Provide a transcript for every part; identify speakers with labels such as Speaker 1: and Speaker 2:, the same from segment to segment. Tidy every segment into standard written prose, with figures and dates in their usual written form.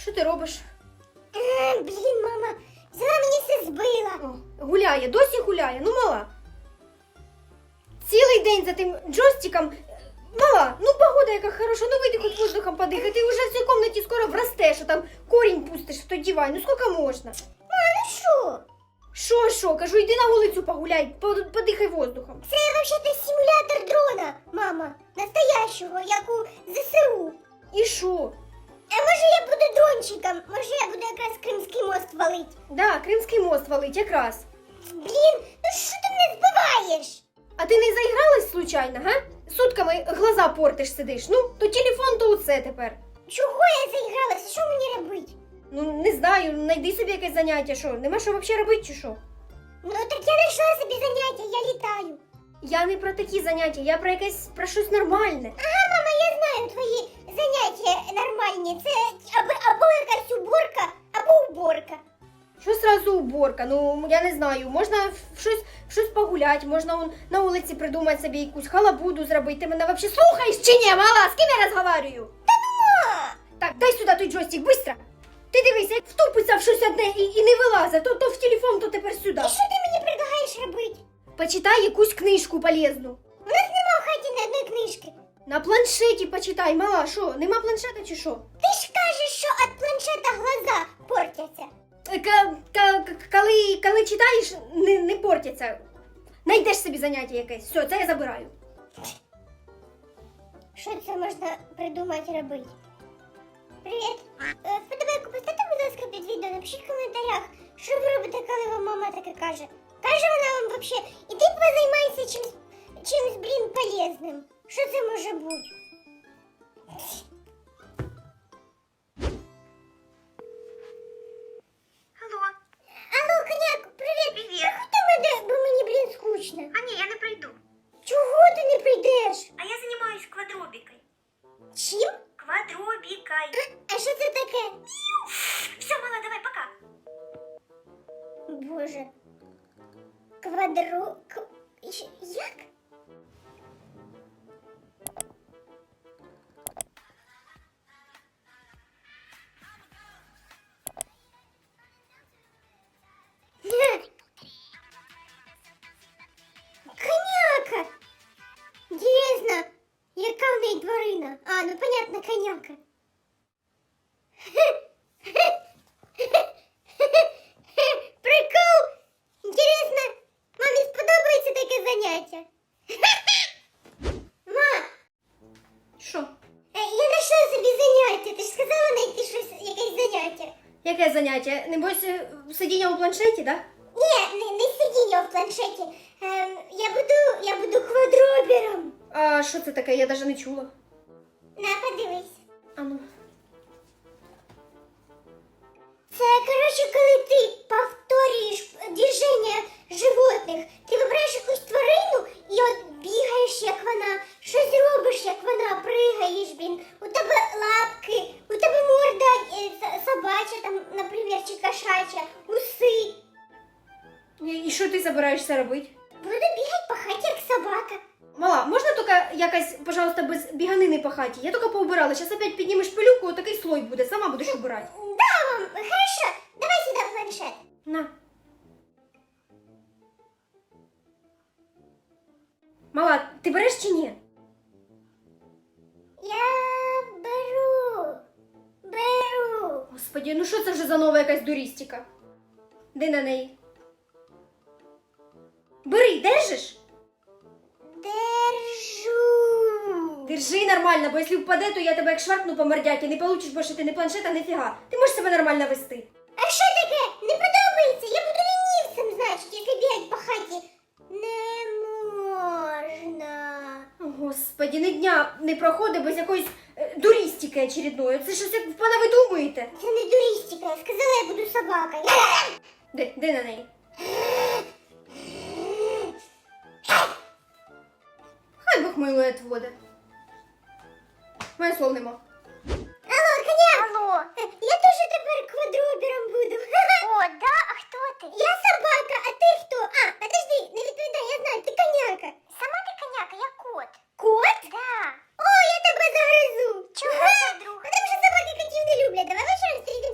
Speaker 1: Що ти робиш?
Speaker 2: Блін, мама, взяла мені все збила.
Speaker 1: Гуляє, досі гуляє, ну мала. Цілий день за тим джойстиком. Мала, ну погода яка хороша, ну вийди хоч воздухом подихай. Ти вже в цій кімнаті скоро врастеш, а там корінь пустиш в той диван. Ну скільки можна?
Speaker 2: Ну що?
Speaker 1: Що? Кажу, йди на вулицю погуляй, подихай воздухом.
Speaker 2: Це взагалі симулятор дрона, мама. Настоящого, як у ЗСУ.
Speaker 1: І що?
Speaker 2: А може я буду дрончиком? Може я буду якраз Кримський мост валить?
Speaker 1: Да, Кримський мост валить якраз.
Speaker 2: Блін, ну що ти мене збиваєш?
Speaker 1: А ти не заігралась случайно, га? Сутками глаза портиш сидиш. Ну, то телефон, то оце тепер.
Speaker 2: Чого я заігралася? Що мені робити?
Speaker 1: Ну, не знаю, знайди собі якесь заняття, що? Нема що взагалі робити, чи що?
Speaker 2: Ну так я знайшла собі заняття, я літаю.
Speaker 1: Я не про такі заняття, я про якесь, про щось нормальне.
Speaker 2: Ага, мама, я знаю твої заняття нормальні. Це або якась уборка, або уборка.
Speaker 1: Що сразу уборка? Ну, я не знаю, можна в щось погуляти, можна на вулиці придумати собі якусь халабуду зробити. Ти мене взагалі слухаєш чи ні, мала? З ким я розговорюю?
Speaker 2: Та ну!
Speaker 1: Так, дай сюди той джойстик, быстро! Ти дивись, як втупиться в щось одне і не вилазить, то в телефон, то тепер сюди.
Speaker 2: І що ти мені предлагаєш робити?
Speaker 1: Почитай якусь книжку полезну.
Speaker 2: У нас нема в хаті ні одної книжки.
Speaker 1: На планшеті почитай, мала, що? Нема планшета чи що?
Speaker 2: Ти ж кажеш, що від планшета глаза портяться.
Speaker 1: Коли читаєш, не портяться. Найдеш собі заняття якесь. Все, це я забираю.
Speaker 2: Що це можна придумати робити? Привіт. Вподобайку поставте, будь ласка, під відео, напишіть в коментарях, що ви робите, коли вам мама таке каже. Каже вона вам взагалі, іди позаймайся чимось, блін, полезним. Що це може бути?
Speaker 1: Алло.
Speaker 2: Алло, коняк, привіт.
Speaker 1: Привіт.
Speaker 2: Заходи мене, бо мені, блін, скучно.
Speaker 1: А ні, я не прийду.
Speaker 2: Чого ти не прийдеш?
Speaker 1: А я займаюсь квадробікою.
Speaker 2: Чим?
Speaker 1: Квадробікою.
Speaker 2: А що це таке?
Speaker 1: Все, мала, давай, пока.
Speaker 2: Боже. Як? Коняка! Інтересно, яка в неї тварина? А, ну понятно, коняка. Прикол! Інтересно, мамі сподобається таке заняття? Ма,
Speaker 1: Що?
Speaker 2: я знайшла собі заняття. Ти ж сказала знайти щось, якесь заняття.
Speaker 1: Яке заняття? Небось, сидіння у планшеті, да?
Speaker 2: Ні, не сидіння в планшеті. Я буду квадробером.
Speaker 1: А що це таке? Я навіть не чула.
Speaker 2: На, подивись.
Speaker 1: А ну.
Speaker 2: Це, коротше, коли ти повторюєш движення животних, ти вибираєш якусь тварину і от бігаєш, як вона, щось робиш, як вона, пригаєш, блін. У тебе лапки, у тебе морда собача, там, наприклад, чи кошача, уси.
Speaker 1: І що ти збираєшся робити?
Speaker 2: Буду бігати по хаті, як собака.
Speaker 1: Мала, можна тільки якась, пожалуйста, без біганини по хаті? Я тільки поубирала. Зараз опять піднімеш пилюку, отакий слой буде. Сама будеш убирати.
Speaker 2: Да, мам, хорошо, давай сюди планшет.
Speaker 1: На. Мала, ти береш чи ні?
Speaker 2: Я беру.
Speaker 1: Господи, ну що це вже за нова якась дурістика? Де на неї? Бери, держиш?
Speaker 2: Держу.
Speaker 1: Держи нормально, бо якщо впаде, то я тебе як шваркну по мордяки, не получиш більше ти не планшета, не фіга. Ти можеш себе нормально вести.
Speaker 2: А що таке? Не подобається? Я буду лінівцем, значить, якщо бігать по хаті. Не можна.
Speaker 1: О, Господи, ні дня не проходить без якоїсь дурістики очередної. Це щось як ви думаєте?
Speaker 2: Це не дурістика, я сказала, я буду собакою.
Speaker 1: Де на неї? Хай Бог милує тводе. Моє слов нема.
Speaker 2: Алло, коняк! Алло! Я теж тепер квадробером буду. О, да? А хто ти? Я собака, а ти хто? А, подожди, не відповідай, я знаю, ти коняка. Сама ти коняка, я кот. Кот? Да. О, я тебе загризу. Чого це вдруг? Тому що собаки котів не люблять. Давай вечором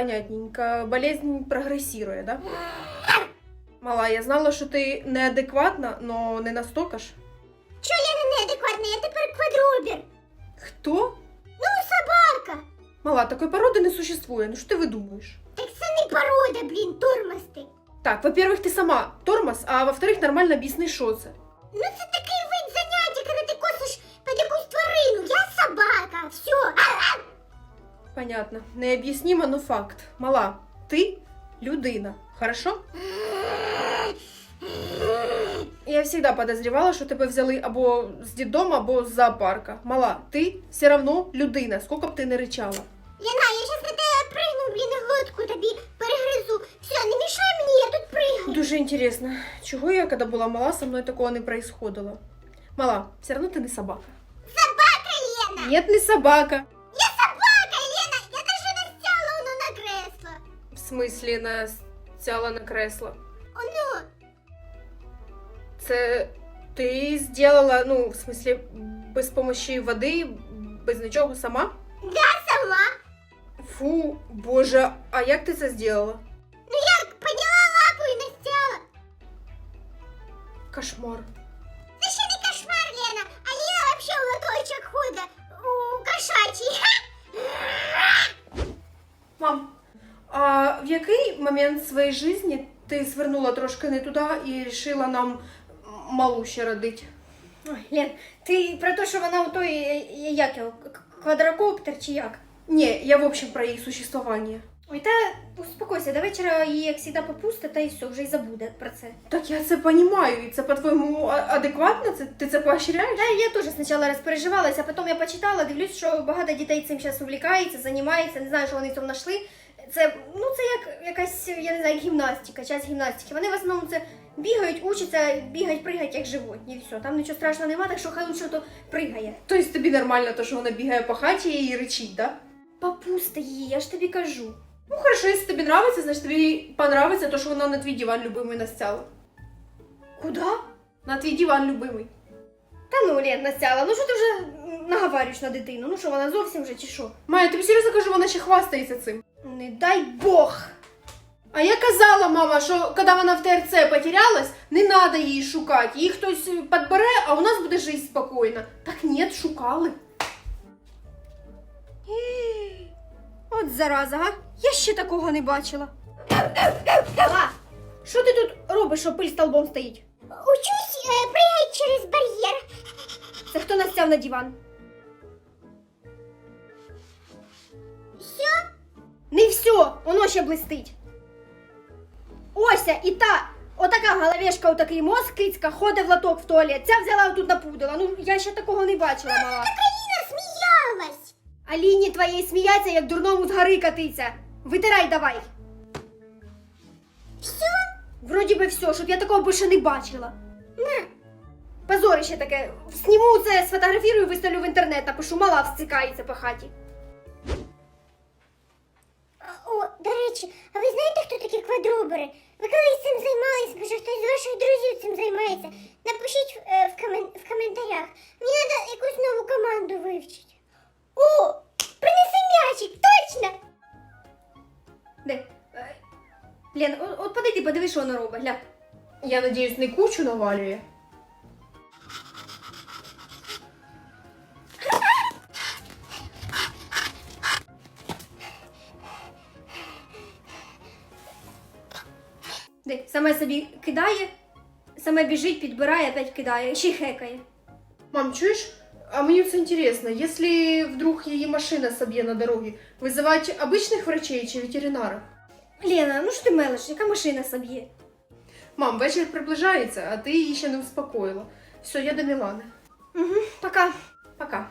Speaker 3: понятненько. Болезнь прогрессирует, да? Мала, я знала, що ти неадекватна, но не настолько ж.
Speaker 2: Чо Лена неадекватна? Я тепер квадробір.
Speaker 3: Хто?
Speaker 2: Ну, собака.
Speaker 3: Мала, такої породи не существує. Ну що ти видумуєш?
Speaker 2: Так це не порода, блін, тормоз ти.
Speaker 3: Так, во-первых, ти сама тормоз, а во-вторых, нормально об'ясни, що це.
Speaker 2: Ну це такий вид заняття, коли ти косиш під якусь тварину. Я собака, все.
Speaker 3: Понятно. Необ'яснимо, но факт. Мала, ти людина, хорошо? Я всегда подозревала, що тебе взяли або з дитдому, або з зоопарка. Мала, ти все равно людина, скільки б ти не ричала.
Speaker 2: Лена, я щас на тебе пригну, блін, і глотку тобі перегризу. Все, не мішай мені, я тут пригну.
Speaker 3: Дуже інтересно, чого я, коли була мала, со мною такого не происходило. Мала, все равно ти не собака.
Speaker 2: Собака, Лена.
Speaker 3: Нет, не собака.
Speaker 2: Я собака, Лена. Я даже настяла воно на кресло.
Speaker 3: В смислі, настяла на кресло.
Speaker 2: Оно.
Speaker 3: Це ти зробила, ну, в смислі, без помощі води, без нічого сама?
Speaker 2: Да, сама.
Speaker 3: Фу, боже, а як ти це зробила?
Speaker 2: Ну як, підняла лапу і настяла.
Speaker 3: Кошмар.
Speaker 2: Це ще не кошмар, Лена. А Лена вообще у лоточок ходить. У кошачий.
Speaker 3: Мам, а в який момент своєї житті ти свернула трошки не туди і вирішила нам малу ще родити?
Speaker 1: Ой, Лен, ти про те, що вона у той, як його, квадрокоптер чи як?
Speaker 3: Ні, я в общем про їх существування.
Speaker 1: Ой, та успокойся, до вечора її, як завжди, попусти, та і все, вже й забуде про це.
Speaker 3: Так я це розумію, і це по-твоєму адекватно? Ти це поощряєш?
Speaker 1: Да, я теж спочатку розпереживалась, а потім я почитала, дивлюсь, що багато дітей цим зараз увлікається, займається, не знаю, що вони цьому знайшли. Це, ну, це як якась, я не знаю, як гімнастика, час гімнастики. Вони в основному це бігають, учаться, бігають, пригають, як животні, і все. Там нічого страшного нема, так що хай лучше то пригає.
Speaker 3: Тобто тобі нормально те, що вона бігає по хаті і ричить, да?
Speaker 1: Попусти її, я ж тобі кажу.
Speaker 3: Ну хорошо, якщо тобі подобається, значить тобі понравиться те, що вона на твій диван любимий настяла.
Speaker 1: Куда?
Speaker 3: На твій диван любимий.
Speaker 1: Та ну, Лен, Настяла, ну що ти вже наговарюєш на дитину? Ну що, вона зовсім вже чи що?
Speaker 3: Майя, тобі серйозно кажу, вона ще хвастається цим.
Speaker 1: Не дай Бог!
Speaker 3: А я казала, мама, що коли вона в ТРЦ потерялась, не треба її шукати. Її хтось підбере, а у нас буде жити спокійно. Так ні, шукали.
Speaker 1: От зараза, га? Я ще такого не бачила. А, що ти тут робиш, що пиль столбом стоїть?
Speaker 2: Учусь пригати через бар'єр.
Speaker 1: Це хто настяв на диван?
Speaker 2: Все?
Speaker 1: Не все, воно ще блистить. Ося і та, отака головешка, отакий мозг кицька, ходить в лоток в туалет. Ця взяла отут напудила. Ну, я ще такого не бачила, мала.
Speaker 2: Так Аліна сміялась.
Speaker 1: Аліні твоєї сміяться, як дурному з гори катиться. Витирай давай.
Speaker 2: Все?
Speaker 1: Вроді би все, щоб я такого більше не бачила.
Speaker 2: На.
Speaker 1: Позорище таке. Сніму це, сфотографірую, виставлю в інтернет, напишу, мала всцикається по хаті.
Speaker 2: О, до речі, а ви знаєте, хто такі квадробери? Ви колись цим займалися, може хтось з ваших друзів цим займається? Напишіть в коментарях. Мені треба якусь нову команду вивчити. О, принеси м'ячик, точно!
Speaker 1: Де? Лен, от подойди, подивись, що воно робить, глянь.
Speaker 3: Я надіюсь, не кучу навалює.
Speaker 1: Де? Саме собі кидає, саме біжить, підбирає, опять кидає, ще й хекає.
Speaker 3: Мам, чуєш? А мені це інтересно, якщо вдруг її машина соб'є на дорогі, визивати обичних врачей чи ветеринарів?
Speaker 1: Лена, ну що ти мелиш, яка машина соб'є?
Speaker 3: Мам, вечір приближається, а ти її ще не успокоїла. Все, я до Мілани.
Speaker 1: Угу, пока.
Speaker 3: Пока.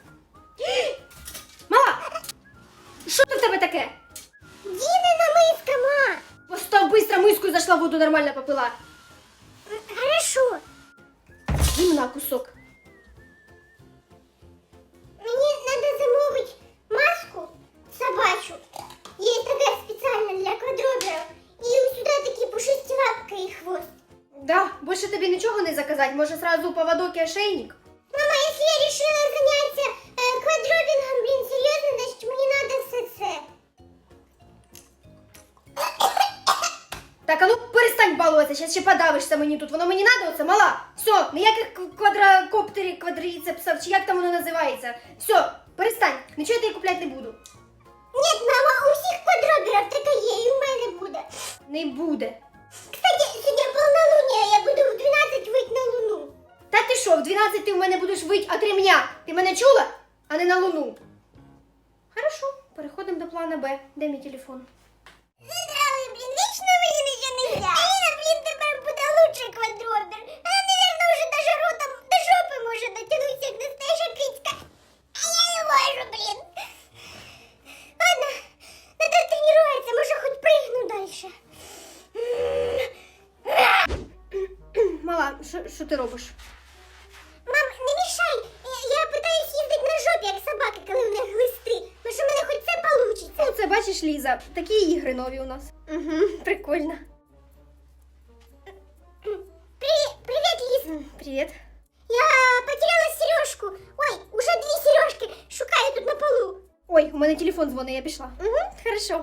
Speaker 1: Мала! Що це в тебе таке?
Speaker 2: Дінина миска, ма!
Speaker 1: Постав быстро миску і зайшла в воду, нормально попила.
Speaker 2: Хорошо.
Speaker 1: Гімна кусок.
Speaker 2: Мені треба замовити маску собачу. Є така спеціальна для квадроберів. І сюди такі пушисті лапки і хвост.
Speaker 1: Да, більше тобі нічого не заказати, може сразу поводок і ошейник?
Speaker 2: Мама, якщо я вирішила зайнятися квадробінгом, блін, серйозно, значить мені треба все це.
Speaker 1: Так, а ну перестань балуватися, зараз ще подавишся мені тут. Воно мені надо оце, мала. Все, ніяких квадрокоптерів, квадріцепсів, чи як там воно називається. Все, перестань, нічого я тобі купляти не буду.
Speaker 2: Ні, мама, у всіх квадроберів таке є, і в мене буде.
Speaker 1: Не буде.
Speaker 2: Кстати, сьогодні полнолуние, я буду в 12 вийти на луну.
Speaker 1: Та ти що, в 12 ти в мене будеш вить от ремня? Ти мене чула? А не на луну. Хорошо, переходимо до плана Б. Де мій телефон?
Speaker 2: Задрали, блін, вічно мені нічого не я. Аліна, блін, тепер буде лучший квадробер. Вона, наверно, вже даже ротом до жопи може дотягнутися, як настояща кицька. А я не можу, блін. Ладно, надо тренуватися, може хоч пригну дальше.
Speaker 1: Мала, що ти робиш?
Speaker 2: Мам, не мішай, я питаюсь їздити на жопі, як собаки, коли в них глисти. Ну що в мене хоч це получиться.
Speaker 1: Ну, це бачиш, Ліза, такі ігри нові у нас. Угу, прикольно.
Speaker 2: Привіт, Ліз.
Speaker 1: Привіт.
Speaker 2: Я потеряла сережку. Ой, уже 2 сережки. Шукаю тут на полу.
Speaker 1: Ой, у мене телефон дзвонить, я пішла. Угу, хорошо.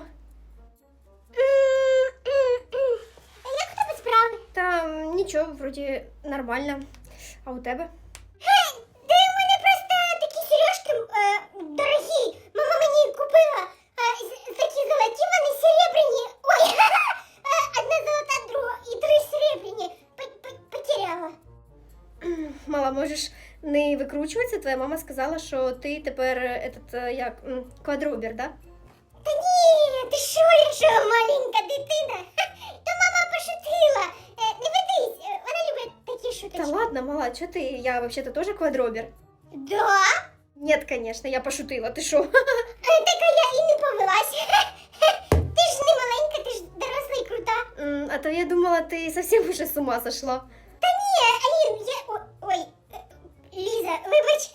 Speaker 2: Як у тебе справи?
Speaker 1: Та нічого, вроді нормально. А у тебе?
Speaker 2: Да у мене просто такі сережки дорогі. Мама мені купила. Такі золоті, вони серебряні. Ой, одна золота, друга і 3 серебряні. Потеряла.
Speaker 1: Мала, можеш не викручуватися? Твоя мама сказала, що ти тепер квадробер, да?
Speaker 2: Та ні, ти що, я що, маленька дитина? То мама пошутила. Не ведись, вона любить такі шуточки.
Speaker 1: Та ладно, мала, чого ти? Я вообще-то тоже квадробер.
Speaker 2: Да?
Speaker 1: Нет, конечно, я пошутила, ти що?
Speaker 2: Так я і не повелась. Ти ж не маленька, ти ж доросла і крута.
Speaker 1: А то я думала, ти совсем уже с ума сошла.
Speaker 2: Та ні, Алін, Ой, Ліза, вибач.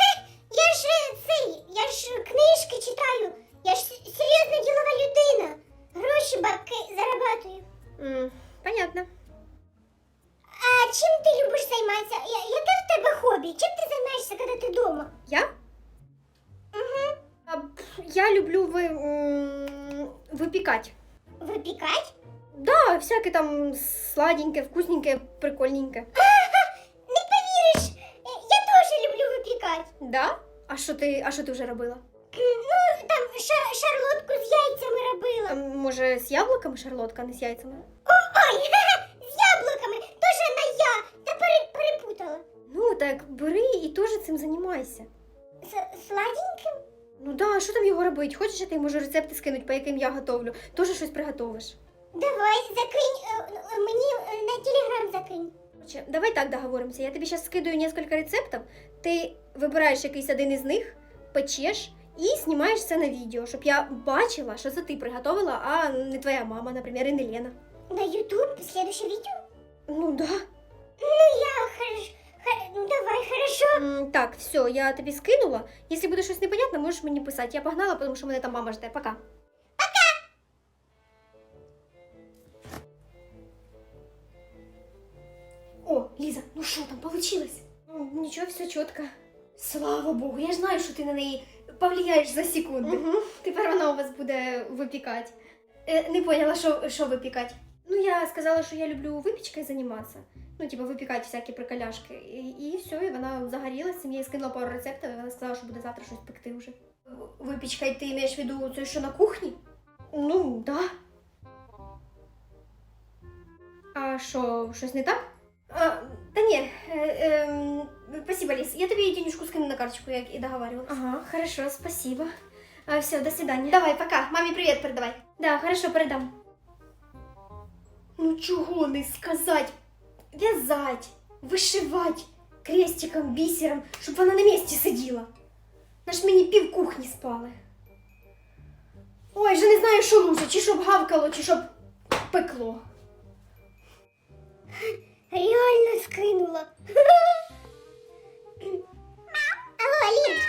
Speaker 2: Я ж книжки читаю. Я ж серйозна ділова людина. Гроші, бабки зарабатую.
Speaker 1: Понятно.
Speaker 2: А чим ти любиш займатися? Яке в тебе хобі? Чим ти займаєшся, коли ти вдома?
Speaker 1: Я?
Speaker 2: Угу.
Speaker 1: Я люблю выпекать.
Speaker 2: Випікати?
Speaker 1: Да, всяке там сладеньке, вкусненьке, прикольненьке.
Speaker 2: Не повіриш, я теж люблю випікати.
Speaker 1: Да? А що ти вже робила?
Speaker 2: Ну, там шарлотку з яйцями робила.
Speaker 1: Може, з яблуками шарлотка, а не з яйцями?
Speaker 2: Ой, з яблуками, теж на я. Та перепутала.
Speaker 1: Ну, так бери і теж цим займайся.
Speaker 2: Сладеньким?
Speaker 1: Ну да, а що там його робити? Хочеш, я тобі можу рецепти скинуть, по яким я готовлю? Тоже щось приготовиш.
Speaker 2: Давай, закинь, мені на телеграм закинь.
Speaker 1: Короче, давай так договоримося. Я тобі зараз скидаю несколько рецептів, ти вибираєш якийсь один із них, печеш і знімаєш це на відео, щоб я бачила, що це ти приготовила, а не твоя мама, наприклад, і не Лена.
Speaker 2: На YouTube, следующее видео?
Speaker 1: Ну да.
Speaker 2: Ну, ну давай, хорошо.
Speaker 1: Так, все, я тобі скинула. Якщо буде щось непонятно, можеш мені писати. Я погнала, тому що мене там мама жде. Пока. О, Ліза, ну що там, получилось? Нічого, все чітко. Слава Богу, я ж знаю, що ти на неї повлияєш за секунду. Угу. Тепер вона у вас буде випікати. Не поняла, що випікати. Ну, я сказала, що я люблю випічкою займатися. Ну, типа, випікати всякі приколяшки. І все, і вона загорілася, я їй скинула пару рецептів, і вона сказала, що буде завтра щось пекти вже. Випічкою ти маєш в виду це, що на кухні? Ну, да. А що, щось не так? Та ні, спасибо, Лиз. Я тобі денежку скину на карточку, як і договаривалась. Ага, хорошо, спасибо. Все, до свидания. Давай, пока. Мамі привіт передавай. Да, хорошо, передам. Ну чого не сказать? В'язать, вишивать крестиком, бісером, щоб вона на місці сиділа. Наш мені пів кухні спали. Ой, вже не знаю, що лучше, чи щоб гавкало, чи щоб пекло.
Speaker 2: Реально скинула. Алло, Алін,